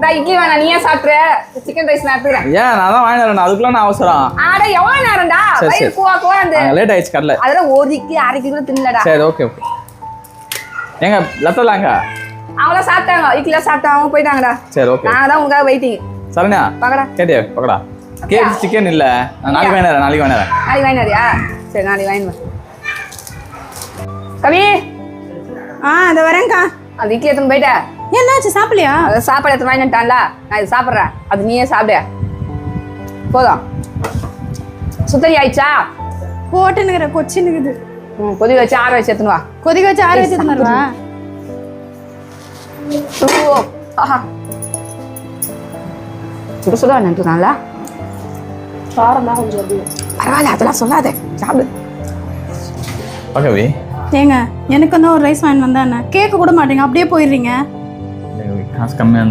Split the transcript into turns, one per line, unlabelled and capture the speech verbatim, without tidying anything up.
இட்லி வேணா நீயே சாப்பிட்ற சிக்கன் ரைஸ் நான் எடுத்துக்கிறேன்.
ஏன் நான் தான் வாங்கி வரேன் அதுக்குள்ள நான் அவசரம்.
ஆட எவ்வளவு நேரம்டா வயிறு கூவா கூவா அந்த
லேட் ஆயிடுச்சு கடல.
அதெல்லாம் ஒரு இட்லி அரை கிலோ தின்னலடா.
சரி ஓகே ஓகே. ஏங்க லத்தலாங்க
அவங்கள சாப்பிட்டாங்க இட்லில சாப்பிட்டாங்க போயிட்டாங்கடா.
சரி ஓகே.
நான் தான் உங்களுக்காக வெயிட்டிங்.
சரண்யா
பக்கடா
கேட்டியா பக்கடா. கேக் சிக்கன் இல்ல நான் நாளைக்கு வாங்கி வரேன் நாளைக்கு வாங்கி வரேன்.
நாளைக்கு வாங்கினாரியா? சரி நாளைக்கு வாங்கிடுவேன். கவி
ஆ அதை வரேங்க்கா.
அந்த இட்லி எடுத்துன்னு போயிட்டேன்.
என்னாச்சு சாப்பிடலையா?
அதை சாப்பாடு எடுத்து வாங்கிட்டான்ல நான் இது சாப்பிட்றேன் அது நீயே சாப்பிடு போதும். சுத்தரி ஆயிடுச்சா?
போட்டுனுங்கிற கொச்சினுக்குது.
ம் கொதி வச்சு ஆற வச்சு எடுத்துன்னு வா.
கொதிக்க வச்சு ஆற வச்சு எடுத்துன்னு
ஓ ஆஹா சுட சுட நின்றுனால
காரமாக கொஞ்சம்
பரவாயில்ல அதெல்லாம் சொல்லாத சாப்பிடு.
ஓகே
ஏங்க எனக்கு வந்து ஒரு ரைஸ் வாங்கி வந்தா என்ன கேட்க கூட மாட்டீங்க அப்படியே போயிடுறீங்க.
காசு கம்மியாக